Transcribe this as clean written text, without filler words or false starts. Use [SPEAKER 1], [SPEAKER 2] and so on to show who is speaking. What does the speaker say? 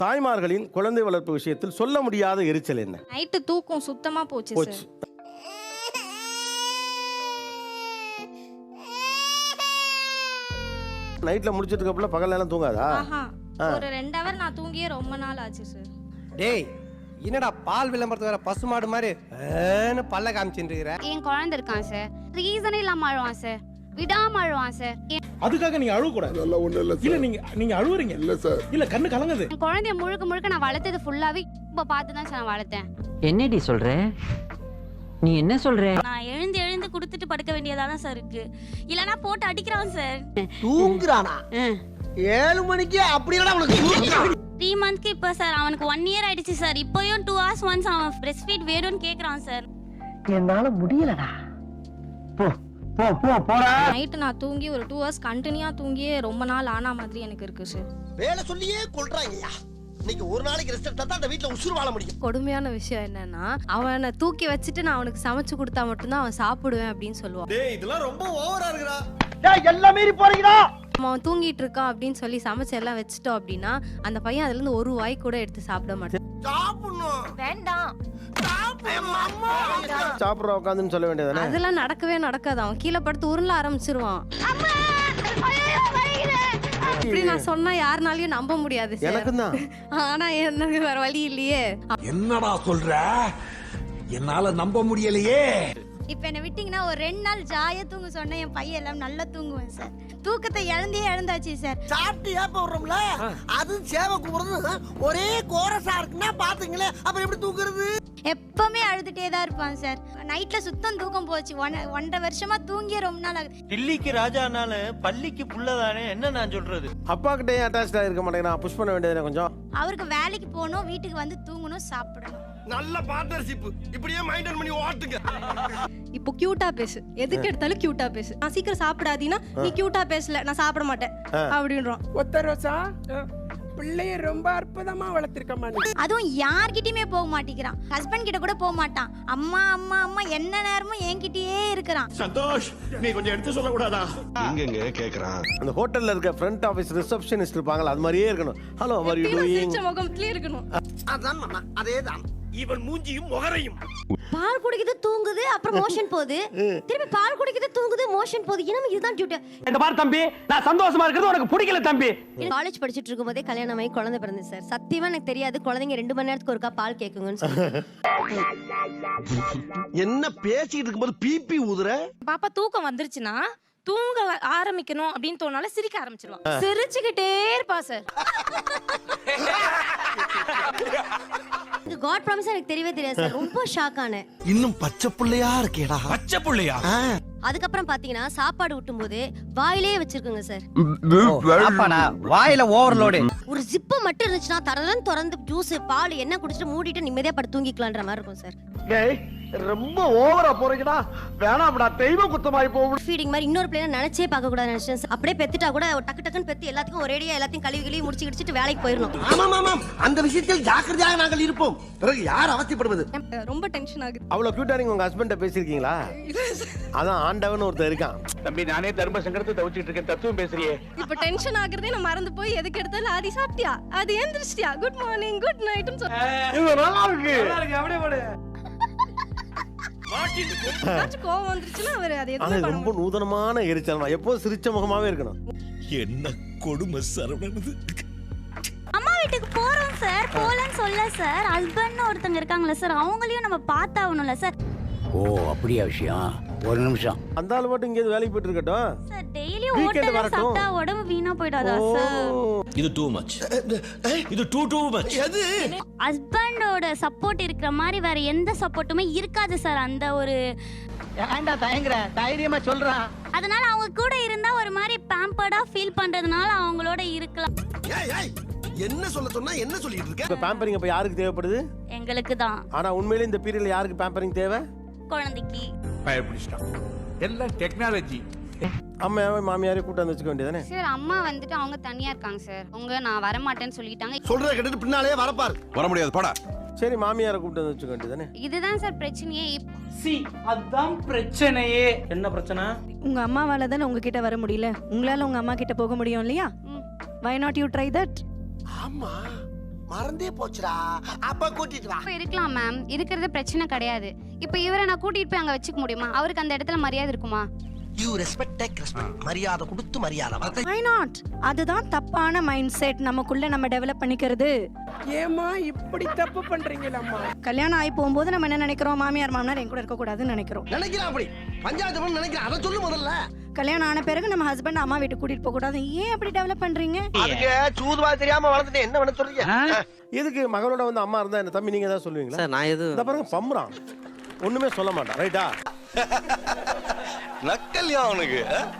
[SPEAKER 1] தாய்மார்களின் குழந்தை வளர்ப்பு விஷயத்தில் சொல்ல முடியாத எரிச்சல் என்ன?
[SPEAKER 2] நைட்டு தூக்கம் சுத்தமா போச்சு சார்.
[SPEAKER 1] நைட்ல முடிச்சிட்டு இருக்கப்பல பகல் நேரம் தூங்காதா?
[SPEAKER 2] ஒரு 2 ஹவர் நான் தூங்கியே ரொம்ப நாள் ஆச்சு சார்.
[SPEAKER 3] டேய் என்னடா பால் விளம்பரத்து வேற பசுமாடு மாதிரி பல்ல காமிச்சுட்டு இருக்கிற?
[SPEAKER 4] என் குழந்தை இருக்கான் சார், ரீசனே இல்லாம அழுவான் சார், விடாம அழுவான் சார்.
[SPEAKER 5] அதுக்காக நீங்க அழுவ கூடாது. இல்ல நீங்க அழுவுறீங்க. இல்ல சார், இல்ல கண்ணு கலங்குது.
[SPEAKER 4] என் குழந்தைய முழுக்க நான் வளர்த்தது ஃபுல்லாவே இப்ப பார்த்து தான் சார் நான் வளர்த்தேன்.
[SPEAKER 6] என்னடி சொல்ற? நீ என்ன சொல்ற?
[SPEAKER 7] நான் எழுந்து குடுத்துட்டு படுக்க வேண்டியதா தான் சார் இருக்கு. இல்லனா போட்டு அடிக்கிறான் சார்.
[SPEAKER 3] தூங்குறானா? 7 மணிக்கு அப்படியே அவனுக்கு தூங்குறான்.
[SPEAKER 7] 3 மந்த்க்கு இப்ப சார் அவனுக்கு 1 இயர் ஆயிடுச்சு சார். இப்போயும் 2 hours once அவன் பிரஸ்ட் ஃபீட் வேணும்னு கேக்குறான் சார்.
[SPEAKER 6] என்னால முடியலடா. போ போ போ போடா.
[SPEAKER 2] நைட்டு நான் தூங்கி ஒரு 2 ஹவர்ஸ் கண்டினியூா தூங்கியே ரொம்ப நாள் ஆன மாதிரி எனக்கு இருக்கு சார்.
[SPEAKER 3] வேலை சொல்லியே கொல்றாங்கய்யா. இன்னைக்கு ஒரு நாளைக்கு ரெஸ்ட் எடுத்தா தான் அந்த வீட்ல உசுறு வாழ முடியும்.
[SPEAKER 2] கொடுமையான விஷயம் என்னன்னா, அவனை தூக்கி வச்சுட்டு நான் அவனுக்கு சமைச்சு கொடுத்தா மட்டும்தான் அவன் சாப்பிடுவேன் அப்படின்னு சொல்லுவான்.
[SPEAKER 3] டேய் இதெல்லாம் ரொம்ப ஓவரா இருக்குடா. டேய் எல்லாம் மீறி போறீங்கடா.
[SPEAKER 2] அவன் தூங்கிட்டு இருக்கான் அப்படின்னு சொல்லி சமைச்சு எல்லாம் வச்சுட்டோம் அப்படின்னா அந்த பையன் அதுல இருந்து ஒரு வாய் கூட எடுத்து சாப்பிட மாட்டான்.
[SPEAKER 3] சாப்பிடணும்.
[SPEAKER 7] வேண்டாம்.
[SPEAKER 1] சாப்பிடுற உட்காந்துன்னு சொல்ல வேண்டியதானே?
[SPEAKER 2] அதெல்லாம் நடக்கவே நடக்காது. அவன் கீழே படுத்து உருள ஆரம்பிச்சிருவான். இப்படி நான் சொன்னா யாருனாலயும் நம்ப முடியாது சார்.
[SPEAKER 1] எனக்கு தான்.
[SPEAKER 2] ஆனா எனக்கு வேற வழி இல்லையே.
[SPEAKER 8] என்னடா சொல்ற? என்னால நம்ப முடியலையே.
[SPEAKER 7] இப்ப என்ன விட்டீங்கன்னா ஒரு 2 நாள் ஜாலியா தூங்க சொன்னா என் பையன் எல்லாம் நல்லா தூங்குவேன் சார். தூக்கத்தை இழந்தாச்சு சார்.
[SPEAKER 3] சாப்பிட்டு ஏப்ப விடுறோம்ல, அது சேவை கூப்பிடுறது ஒரே கோரஸா இருக்குன்னா பாத்துங்களே, அப்புறம் எப்படி தூக்குறது?
[SPEAKER 7] எப்பவுமே அழுதுட்டே தான் இருப்பான் சார். நைட்ல சுத்தம் தூக்கம் போச்சு. 1.5 வருஷமா தூங்கிய ரொம்ப நாள் ஆகுது.
[SPEAKER 9] டில்லிக்கு ராஜானால பள்ளிக்கு புள்ளதானே என்ன நான் சொல்றது?
[SPEAKER 1] அப்பா கிட்டே அட்டாச்டா இருக்க மாட்டேங்கிறான். புஷ் பண்ண வேண்டியதானே கொஞ்சம்.
[SPEAKER 7] அவருக்கு வேலைக்கு போகணும், வீட்டுக்கு வந்து தூங்கணும், சாப்பிடணும்.
[SPEAKER 3] நல்ல பார்ட்னர்ஷிப். இப்படியே மைண்டன் பண்ணி ஓட்டுங்க.
[SPEAKER 2] இப்போ கியூட்டா பேசு, எதுக்கு எடுத்தாலும் கியூட்டா பேசு. நான் சீக்கிரம் சாப்பிடாதீனா நீ கியூட்டா பேசல, நான் சாப்பிட மாட்டேன் அப்படின்றான்.
[SPEAKER 10] ஒத்த ரோசா பிள்ளைய ரொம்ப அற்புதமா வளர்த்திருக்கமா.
[SPEAKER 7] அதுவும் யார்கிட்டயுமே போக மாட்டேங்கிறான். ஹஸ்பண்ட் கிட்ட கூட போக மாட்டான். அம்மா அம்மா அம்மா என்ன நேரமும் என்கிட்டயே இருக்கிறான்.
[SPEAKER 8] சந்தோஷ், நீ கொஞ்சம் எடுத்து சொல்ல கூடாதா?
[SPEAKER 9] எங்க கேக்குறான்.
[SPEAKER 1] அந்த ஹோட்டல்ல இருக்க ஃப்ரண்ட் ஆபீஸ் ரிசப்ஷனிஸ்ட் இருப்பாங்கல, அது மாதிரியே இருக்கணும். Hello how you doing?
[SPEAKER 2] முகம்லயே இருக்கணும்.
[SPEAKER 3] அதான் மாமா, அதேதான்.
[SPEAKER 8] இவன் மூஞ்சியும் முகரையும்.
[SPEAKER 7] பால் குடிக்குது தூங்குது, அப்புறம் மோஷன் போகுது. திருப்பி பால் குடிக்குது தூங்குது, மோஷன் போகுது. என்ன இதுதான் டியூட்டி.
[SPEAKER 6] இந்த பாரு தம்பி, நான் சந்தோஷமா இருக்கிறது உனக்கு பிடிக்கல தம்பி.
[SPEAKER 4] காலேஜ் படிச்சிட்டு இருக்கும்போதே கல்யாணம் ஆகி குழந்தை பிறந்து சார். சத்தியமா எனக்கு தெரியாது குழந்தைங்க 2 மணி நேரத்துக்கு ஒருக்கா பால் கேக்குங்கன்னு சொல்லி.
[SPEAKER 3] என்ன பேசிட்டு இருக்கும்போது பிபி ஊதுற?
[SPEAKER 2] பாப்பா தூக்கம் வந்துருச்சுன்னா தூங்க ஆரம்பிக்கணும் அப்படின்னு தோணால சிரிக்க ஆரம்பிச்சிருவான். சிரிச்சுக்கிட்டே இருப்பா சார்.
[SPEAKER 4] காட் ப்ராமிஸ் எனக்கு தெரியவே தெரியாது சார். ரொம்ப ஷாக் ஆனேன்.
[SPEAKER 3] இன்னும் பச்சை புள்ளையா இருக்கேடா.
[SPEAKER 8] பச்சை புள்ளையா?
[SPEAKER 4] அதுக்கப்புறம் பாத்தீங்கன்னா சாப்பாடு ஊட்டும் போது வாயிலே வச்சிருக்குங்க சார்.
[SPEAKER 3] வாயில ஓவர்லோடு.
[SPEAKER 4] ஒரு ஜிப்பு மட்டும் இருந்துச்சுன்னா தரலன்னு திறந்து ஜூஸ் பால் என்ன குடிச்சிட்டு மூடிட்டு நிம்மதியா படுத்து தூங்கிக்கலான்ற மாதிரி இருக்கும் சார்.
[SPEAKER 3] ரொம்ப ஓவரா போறீங்கடா. வேணாம்டா, தெய்வ குத்தமாயி போகும்.
[SPEAKER 4] ஃபீடிங் மாதிரி இன்னொரு பிள்ளைய நினைச்சே பார்க்க கூடாது நினைச்சேன். அப்படியே பெத்துட்டா கூட டக்கு டக்குன்னு பெத்து எல்லாத்துக்கும் ஒரேடியா எல்லாத்தையும் கழுவி முடிச்சு கிடிச்சிட்டு வேலைக்கு போயிடணும்.
[SPEAKER 3] ஆமாம் ஆமாம், அந்த விஷயத்தில் ஜாக்கிரதையாக நாங்கள் இருப்போம். பிறகு யார் அவசியப்படுவது?
[SPEAKER 2] ரொம்ப டென்ஷன் ஆகுது.
[SPEAKER 1] அவ்வளவு கியூட்டா நீங்க உங்க ஹஸ்பண்ட பேசிருக்கீங்களா? அதான் ஆண்டவன் ஒருத்தர் இருக்கான்.
[SPEAKER 9] தம்பி நானே தர்ம சங்கடத்தை தவிச்சிட்டு இருக்கேன். தத்துவம் பேசுறியே.
[SPEAKER 2] இப்ப டென்ஷன் ஆகுறதே நான் மறந்து போய் எதுக்கு எடுத்தாலும் ஆதி சாப்பிட்டியா, அது எந்திரிச்சிட்டியா, குட் மார்னிங் குட் நைட்னு சொல்றேன்.
[SPEAKER 1] இது நல்லா இருக்கு.
[SPEAKER 6] அப்படியே போடு.
[SPEAKER 2] கோவம் வந்துருச்சுன்னா அவர் அது
[SPEAKER 1] ஆனா
[SPEAKER 2] எதுவும்
[SPEAKER 1] ரொம்ப நூதனமான எரிச்சல். எப்போதும் சிரிச்ச முகமாவே இருக்கணும்.
[SPEAKER 8] என்ன கொடுமை சரவணனது.
[SPEAKER 7] அம்மா வீட்டுக்கு போறோம் சார். போலன்னு சொல்ல சார். ஹஸ்பண்ட்னு ஒருத்தங்க இருக்காங்களா சார், அவங்களையும் நம்ம பார்த்தாகணும்ல சார்.
[SPEAKER 8] ஓ அப்படியா விஷயம்? ஒரு நிமிஷம்.
[SPEAKER 1] அந்த ஆள் மட்டும் இங்கே வேலைக்கு போயிட்டு இருக்கட்டும்
[SPEAKER 7] சார். டெய்லி
[SPEAKER 1] Weekend
[SPEAKER 7] ஹோட்டல்ல
[SPEAKER 1] வரட்டும்.
[SPEAKER 7] சாப்பிட்டா உடம்பு வீணா போயிடாதா சார்?
[SPEAKER 8] இது டூ மச். இது டூ மச்.
[SPEAKER 3] எது?
[SPEAKER 7] ஹஸ்பண்டோட சப்போர்ட் இருக்கிற மாதிரி வேற எந்த சப்போர்ட்டுமே இருக்காது சார். அந்த ஒரு
[SPEAKER 6] ஏன்டா தயங்குற? தைரியமா சொல்றான்.
[SPEAKER 7] அதனால அவங்க கூட இருந்தா ஒரு மாதிரி பேம்பர்டா ஃபீல் பண்றதுனால அவங்களோட இருக்கலாம்.
[SPEAKER 3] என்ன சொல்ல சொன்னா என்ன சொல்லிட்டு இருக்க?
[SPEAKER 1] இப்ப பேம்பரிங் இப்ப யாருக்கு தேவைப்படுது?
[SPEAKER 7] எங்களுக்கு தான்.
[SPEAKER 1] ஆனா உண்மையிலே இந்த பீரியட்ல யாருக்கு பேம்பரிங் தேவை?
[SPEAKER 7] குழந்தைக்கு.
[SPEAKER 8] பயப்பிடிச்சிட்டான். எல்லாம் டெக்னாலஜி.
[SPEAKER 1] அம்மாவே மாமியாரே கூட்டு வந்து வச்சுக்க வேண்டியதானே?
[SPEAKER 4] சார் அம்மா வந்துட்டு அவங்க தனியா இருக்காங்க சார். அவங்க நான் வர மாட்டேன்னு சொல்லிட்டாங்க.
[SPEAKER 3] சொல்றத கேட்டுட்டு பின்னாலே வரப்பார்.
[SPEAKER 8] வர முடியாது போடா.
[SPEAKER 1] சரி மாமியாரை கூட்டு வந்து வச்சுக்க வேண்டியதானே?
[SPEAKER 4] இதுதான் சார் பிரச்சனையே.
[SPEAKER 6] அதான் பிரச்சனையே. என்ன பிரச்சனை?
[SPEAKER 2] உங்க அம்மாவால தானே உங்ககிட்ட வர முடியல. உங்களால உங்க அம்மா கிட்ட போக முடியும் இல்லையா? Why not you try that?
[SPEAKER 3] ஆமா, மறந்தே போச்சுடா. அப்ப கூட்டிட்டு வா.
[SPEAKER 7] இப்ப இருக்கலாம் மேம், இருக்கிறது பிரச்சனை கிடையாது. இப்ப இவரை நான் கூட்டிட்டு போய் அங்க வச்சுக்க முடியுமா? அவருக்கு அந்த இடத்துல மரியாதை இருக்குமா?
[SPEAKER 3] You respect take respect. மரியாதை கொடுத்து மரியாதை வாங்க.
[SPEAKER 2] Why not? அதுதான் தப்பான மைண்ட் செட் நமக்குள்ள நம்ம டெவலப் பண்ணிக்கிறது.
[SPEAKER 10] ஏமா இப்படி தப்பு பண்றீங்களம்மா?
[SPEAKER 2] கல்யாணம் ஆகி போகும்போது நம்ம என்ன நினைக்கிறோம், மாமியார் மாமனார் என் கூட இருக்கக்கூடாதுன்னு நினைக்கிறோம்.
[SPEAKER 3] நினைக்கிறேன் அப்படி பஞ்சாயத்து பண்ண நினைக்கிறேன். அதை சொல்லு முதல்ல.
[SPEAKER 2] கல்யாணம் ஆன பிறகு நம்ம ஹஸ்பண்ட் அம்மா வீட்டுக்கு கூட்டிட்டு போக கூடாது. ஏன் அப்படி டெவலப் பண்றீங்க?
[SPEAKER 3] அதுக்கு சூதுவா தெரியாம வளர்ந்துட்டு என்ன பண்ண சொல்றீங்க?
[SPEAKER 1] எதுக்கு மகளோட வந்து அம்மா இருந்தா என்ன தம்பி நீங்க ஏதாவது சொல்லுவீங்களா?
[SPEAKER 9] சார் நான் எது
[SPEAKER 1] இந்த பாருங்க பம்புறான், ஒண்ணுமே சொல்ல மாட்டான். ரைட்டா?
[SPEAKER 8] நக்கல்யா அவனுக்கு